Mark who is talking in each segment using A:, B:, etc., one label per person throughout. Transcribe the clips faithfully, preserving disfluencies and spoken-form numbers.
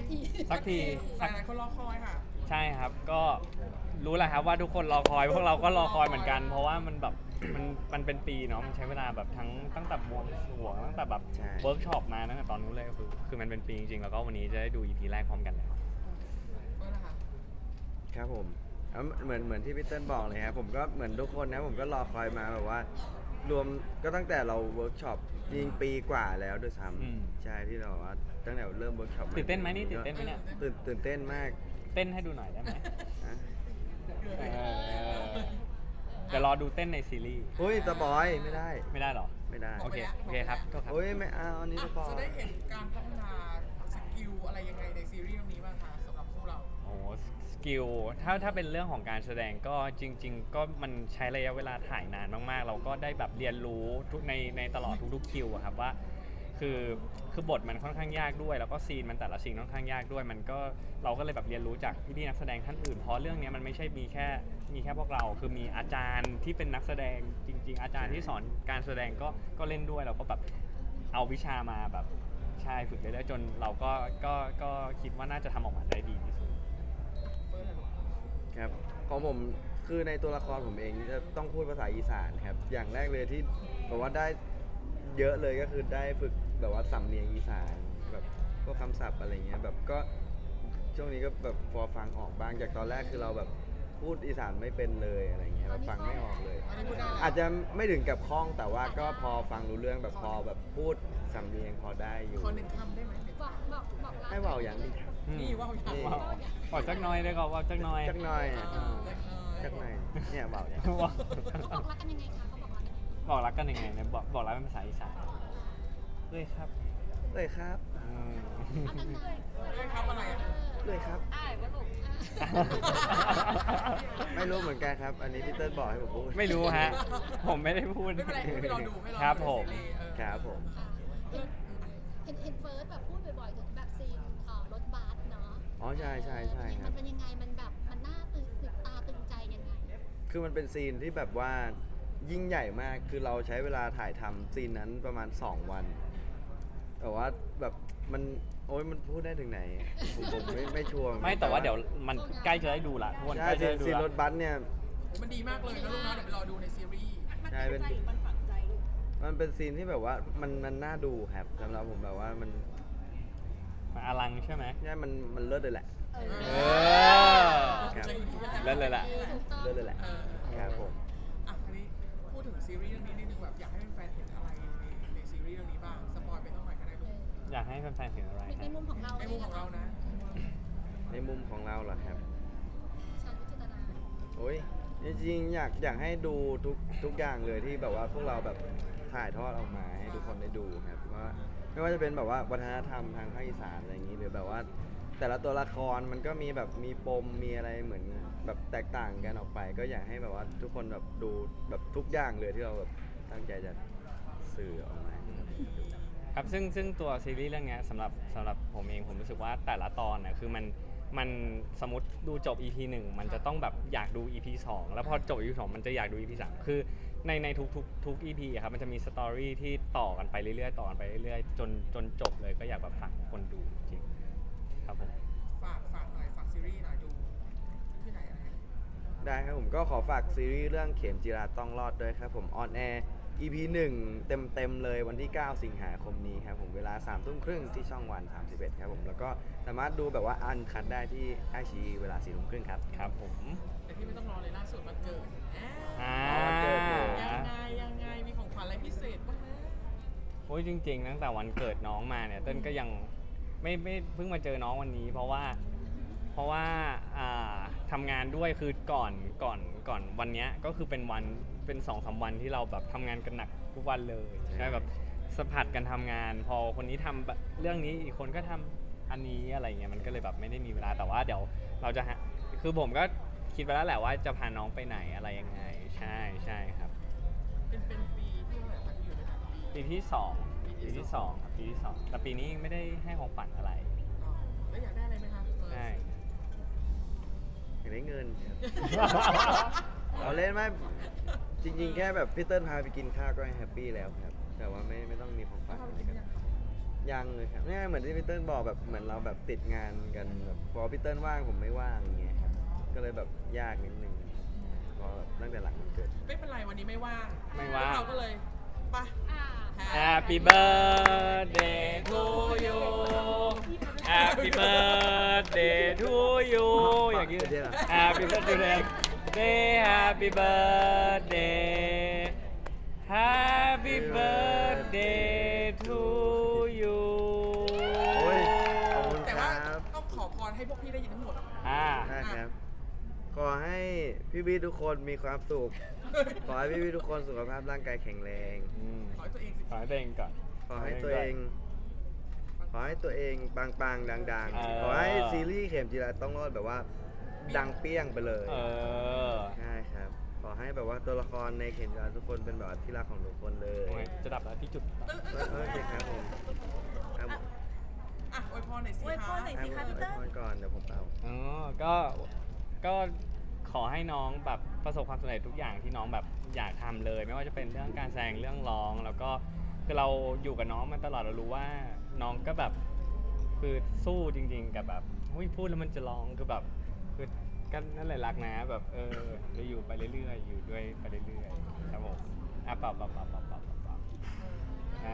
A: ที
B: สักที
C: หลายๆคนรอคอยค่ะ
B: ใช่ครับก็รู้แหละครับว่าทุกคนรอคอยพวกเราก็รอคอยเหมือนกัน เพราะว่ามันแบบมันมันเป็นปีเนาะมันใช้เวลาแบบทั้งตั้งแต่บวงสรวงตั้งแต่แบบ
D: ใช่
B: เวิร์กช็อปมาตั้งแต่ตอนนู้นเลยคือคือมันเป็นปีจริงๆแล้วก็วันนี้จะได้ดู อี พี แรกพร้อมกันแล้ว
C: เมื่อไหร่คะ
D: ครับผมแล้วเหมือนเหมือนที่พี่เติ้ลบอกเลยครับผมก็เหมือนทุกคนนะผมก็รอคอยมาแบบว่า รวมก็ตั้งแต่เราเวิร์กช็อปยิงปีกว่าแล้วด้วยซ้
B: อืม
D: ำใช่ที่เราว่าตั้งแต่เริ่มเวิร์กช็อป
B: ตื่นเต้นไหมนี่ตื่นเต้นไหมเนี่ย
D: ตื่นตื่นเต้นมาก
B: เต้นให้ดูหน่อยได้ไหม
D: นะ
B: เออเดี๋ยวรอดูเต้นในซีรีส์
D: เฮ้ยสปอยไม่ได้
B: ไม่ได้หรอ
D: ไม่ได้
B: โอเคโอเคครับโทษครับ
D: เฮ้ยไม่เอาอันนี้สปอย
C: จะได้เห็นการพัฒนาสกิลอะไรยังไงในซีรีส์เรื่องนี้บ้างคะสำหรับพวกเรา
B: โอ้สกิลถ้าถ้าเป็นเรื่องของการแสดงก็จริง ๆ ก็มันใช้ระยะเวลาถ่ายนานมากๆ เราก็ได้แบบเรียนรู้ทุกในในตลอดทุกๆคิวอะครับว่าคือคือบทมันค่อนข้างยากด้วย แล้วก็ซีนมันแต่ละซีนค่อนข้างยากด้วย มันก็เราก็เลยแบบเรียนรู้จากพี่ๆนักแสดงท่านอื่นเพราะเรื่องนี้มันไม่ใช่มีแค่มีแค่พวกเราคือมีอาจารย์ที่เป็นนักแสดงจริง ๆ อาจารย์ที่สอนการแสดงก็ก็เล่นด้วยเราก็แบบเอาวิชามาแบบใช่ฝึกเรื่อยๆจนเราก็ก็ก็คิดว่าน่าจะทำออกมาได้ดีที่สุด
C: เมื่อไหร่ลูก
D: ครับของผมคือในตัวละครผมเองจะต้องพูดภาษาอีสานครับอย่างแรกเลยที่แบบว่าได้เยอะเลยก็คือได้ฝึกแบบว่าสำเนียงอีสานแบบพวกคำศัพท์อะไรเงี้ยแบบก็ช่วงนี้ก็แบบพอฟังออกบ้างจากตอนแรกคือเราแบบพูดอีสานไม่เป็นเลยอะไรเงี้ยแบบฟังไม่ออกเลย
C: อันนี้พูดได้แล้ว
D: อาจจะไม่ถึงกับคล่องแต่ว่าก็พอฟังรู้เรื่องแบบพอแบบพูดสำเนียงพอได้อยู่
C: ขอหนึ่งคำได้ไหม
A: บอกบอกบอกรัก
D: ให้เบาอย่างนี้ครับ
C: นี่ว่าวอย่าง
D: นี่
B: ว้าวบอกจักหน้อยได้ก่อนว่าจักหน้อย
D: จักหน่อย
C: เอ
D: อ่า
C: อเล็กน้อย
D: จักหน่อยเนี่ยเบาอย่าง
B: ว้าว
A: เขาบอกรักกันยังไงคะเขาบอกรักกันยังไง
B: บอกรักกันยังไงเนี่ยบอกบอกรักเป็นภาษาอีสานเลยครับ
D: เลยครับ
B: อืม
A: เอากันเลย
C: เอ้ยครับอะไรอ่ะ
D: เลยครับ
A: อ้ายว่าลูก
D: ไม่รู้เหมือนกันครับ อันนี้พี่เติ้ลบอกให้ผมพูด
B: ไม่รู้ฮะ ผมไม่ได้พูด
C: ไม่เป็นไรให้เราดูให้เรา
B: ครับ
C: ดู
B: ผม
C: ในซีรีส์เออ
D: ครับผม
A: เห็นเห็นเฟิร์สแบบพูดบ่อยๆถึงแบบซีนเอ่อรถบัสเนาะ
D: อ๋อใช่ใช่ใช่ค
A: มั
D: รั
A: น
D: บ
A: เป็นยังไงมันแบบมันน่าตื่นตื่นตาตื่นใจยังไง
D: คือมันเป็นซีนที่แบบว่ายิ่งใหญ่มาก คือเราใช้เวลาถ่ายทำซีนนั้นประมาณสองวันแต่ว่าแบบมันโอ้ยมันพูดได้ถึงไหนผมผมไม่ไม่ชัวร์
B: ไม่แต่ว่าเดี๋ยวมันใกล้จะได้ดูละทุกคน
D: ใช่
B: ใกล้จะ
D: ซีน
B: ได้ดู
D: ซีนร
B: ละ
D: ถบัสเนี่ย
C: มันดีมากเลยนะลูกนะเดี๋ยวไปรอดูในซีรีส์
D: ใช่เป็นมันเป็นซีนที่แบบว่ามันมันน่าดูครับสำหรับผมแบบว่ามัน
B: มาอลังใช่ไหม
D: ใช่มันมันเลิศเลยแหละ
A: เอ
B: เอ
A: อ
B: อ
D: ครับ
B: เล่นเลยแหละ
A: ถูกต้อง
D: เลิศเลยแหละ
C: เออ
D: ครับผม
C: อ่ะทีนี้พูดถึงซีรีส์เรื่องนี้นิดนึงแบบอยากให้แฟนๆเห็นอะไรในในซีรีส์เรื่องนี้บ้างสปอยไปต้องหน่อยก็ได้ลูก
B: อยากให้แฟนๆเห็นอะไร
A: ใน
B: ฮะ
A: มุมของเรา
C: ในมุมของเรานะ
D: ในมุมของเราเหรอครับ
A: ชาญวิจิตรา
D: โอ้ยจริงๆอยากอยากให้ดูทุกทุกอย่างเลยที่แบบว่าพวกเราแบบถ่ายทอดออกมาให้ทุกคนได้ดูครับว่าไม่ว่าจะเป็นแบบว่าวัฒนธรรมทางภาคอีสานอะไรอย่างนี้หรือแบบว่า แต่ละตัวละครมันก็มีแบบมีปมมีอะไรเหมือนแบบแตกต่างกันออกไป ก็อยากให้แบบว่าทุกคนแบบดูแบบทุกอย่างเลยที่เราแบบตั้งใจจะสื่อออกมาให้ทุกคนดู
B: ครับซึ่งซึ่งตัวซีรีส์เรื่องเนี้ยสำหรับสำหรับผมเองผมรู้สึกว่าแต่ละตอนน่ะคือมันมันสมมติดูจบ อี พี หนึ่งมันจะต้องแบบอยากดู อี พี สองแล้วพอจบ อี พี สองมันจะอยากดู อี พี สามคือในในทุกทุกทุก อี พี อะครับมันจะมีสตอรี่ที่ต่อกันไปเรื่อยๆต่อกันไปเรื่อยๆจนจนจบเลยก็อยากแบบฝากคนดูจริงๆครับผม
C: ฝากฝากหน่อยฝากซีรีส์หน่อยดูที่ไหนอะไร
D: ได้ครับผมก็ขอฝากซีรีส์เรื่องเข็มจีราต้องรอดด้วยครับผมออนแอร์ อี พี หนึ่งเต็มเต็มๆเลยวันที่ เก้า สิงหาคมนี้ครับผมเวลาสามทุ่มครึ่งที่ช่องวันสามสิบเอ็ดครับผมแล้วก็สามารถดูแบบว่าอันคัดได้ที่ไอชีเวลาสี่ทุ่มครึ่งครับ
B: ครับผม
C: แต่ที่ไม่ต้องรอเลยล่าสุดวันเกิดแหม
B: อ่า
D: วันเกิดอยู่
C: ยังไงยังไงมีของขวัญอะไรพิเศษบ้างนะ
B: โอ้ยจริงๆตั้งแต่วันเกิดน้องมาเนี่ยเต้นก็ยังไม่ไม่เพิ่งมาเจอน้องวันนี้ เพราะว่าเพราะว่าอ่าทำงานด้วยคือก่อนก่อนก่อนวันเนี้ยก็คือเป็นวันเป็นสองสามวันที่เราแบบทำงานกันหนักทุกวันเลยใช่แบบสะพัดกันทำงาน พอคนนี้ทำแบบเรื่องนี้อีกคนก็ทำอันนี้อะไรเงี้ยมันก็เลยแบบไม่ได้มีเวลาแต่ว่าเดี๋ยวเราจะหาคือผมก็คิดไปแล้วแหละว่าจะพาน้องไปไหนอะไรยังไงใช่ใช่ครับ
C: เป็นเป็นปีที่เท่าไหร่คะที่อยู่ด้วยกันปี
B: ปีที่สองปีที่สองครับปีที่สองแต่ปีนี้ไม่ได้ให้ของขวัญอะไร
C: อ๋อแล้วอยากได้อะไรไหมคะ
B: ใช่
D: อยากได้เงินครับ เราเล่นไหมจริงๆ แค่แบบพี่เติ้ลพาไปกินข้าวก็แฮปปี้แล้วครับ แต่ว่าไม่ไม่ต้องมีของ
C: แล้
D: ฝาว ก
C: ทำ
D: อะไร
C: จริง
D: กัน
C: ยังคะ
D: ยังเลยครับเนี่ยเหมือนที่พี่เติ้ลบอกแบบเหมือนเราแบบติดงานกันแบบพอพี่เติ้ลว่างผมไม่ว่างอย่างเงี้ยครับก็เลยแบบยากนิดนึงพอตั้งแต่หลังวันเกิด
C: ไม่เป็นไรวันนี้ไม่ว่าง
B: ไม่ว่าง
C: เราก็เลยไป
A: อ่า
B: Happy birthday to you Happy birthday to you อย่างนี้ Happy birthday Happy birthday Happy birthday to you
D: โอ้ยขอบคุณ
C: แต่
D: ค
C: ว่า
D: รับ
C: ต้องขอพรให้พวกพี่ได้ยินทั้งหมด
B: อ่า
D: ได้ครับ ขอให้พี่พี่ๆทุกคนมีความสุข ขอให้พี่พี่ๆทุกคนสุขภาพร่างกายแข็งแรง
B: อืม
C: ขอให้ตัวเองสิ
B: ขอให้ตัวเองก่อน
D: ขอให้ตัวเอง ขอให้ตัวเองปังๆดัง
B: เออ
D: ๆ ขอให้ซีรีส์เข็มจีราต้องรอดแบบว่า ดังเปี้ยงไปเลย
B: เออ
D: ใช่ครับ ขอให้แบบว่าตัวละครในเข็มจีราทุกคนเป็นแบบว่าที่รักของทุกคนเลย
B: โอ้ยจะดับแล้วที่จุด
D: โอเคครับผมครับผม
C: อ่ะอวยพรหน่อยสิ
E: อวยพรหน่อย
C: คะ
E: สิคะพี่เติ้ล
D: ให้พรก่อนเดี๋ยวผมเป่า
B: อ๋อ ก็ ก็ขอให้น้องแบบประสบความสำเร็จทุกอย่างที่น้องแบบอยากทำเลย ไม่ว่าจะเป็นเรื่องการแสดงเรื่องร้อง แล้วก็คือเราอยู่กับน้องมาตลอดเรารู้ว่าน้องก็แบบคือสู้จริง ๆ กับแบบหุ้ยพูดแล้วมันจะร้องคือแบบคือก็นั่นแหละรักนะแบบเออจะอยู่ไปเรื่อยๆอยู่ด้วยไปเรื่อยๆครับผมอ่ะเปล่าเปล่าเปล่าเปล่าเปล่าเปล่าอ่า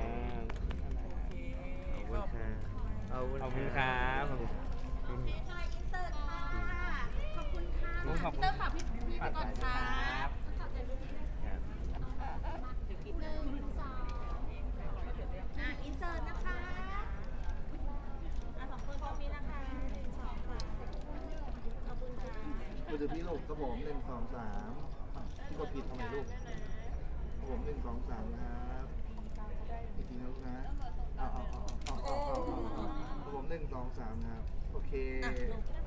C: โอเค
D: ขอบคุณครับ
B: ขอบคุณครับขอบคุณ
E: โอเคค่ะอินเสิร์ตค่ะ ขอบคุณค่ะ
B: ขอบคุณ
E: เติ้ลฝากพี่พี่ไปก่อนค่ะ
A: ขอบใจลูกนะ
D: ครับ
A: หนึ่งสอง
E: อ่ะอินเสิร์ตนะคะอ่ะสองคนตรงนี้นะคะหนึ่งสองสามขอบคุณค่ะ
F: มือถือพี่ลูกกระผมหนึ่งสองสามพี่กดผิดทำไมลูกกระผมหนึ่งสองสามครับอีกทีนะลูกนะเอาเอาเอาเอาเอาเอาเอากระผมหนึ่งสองสามครับ โอเค
C: อ่ะลูก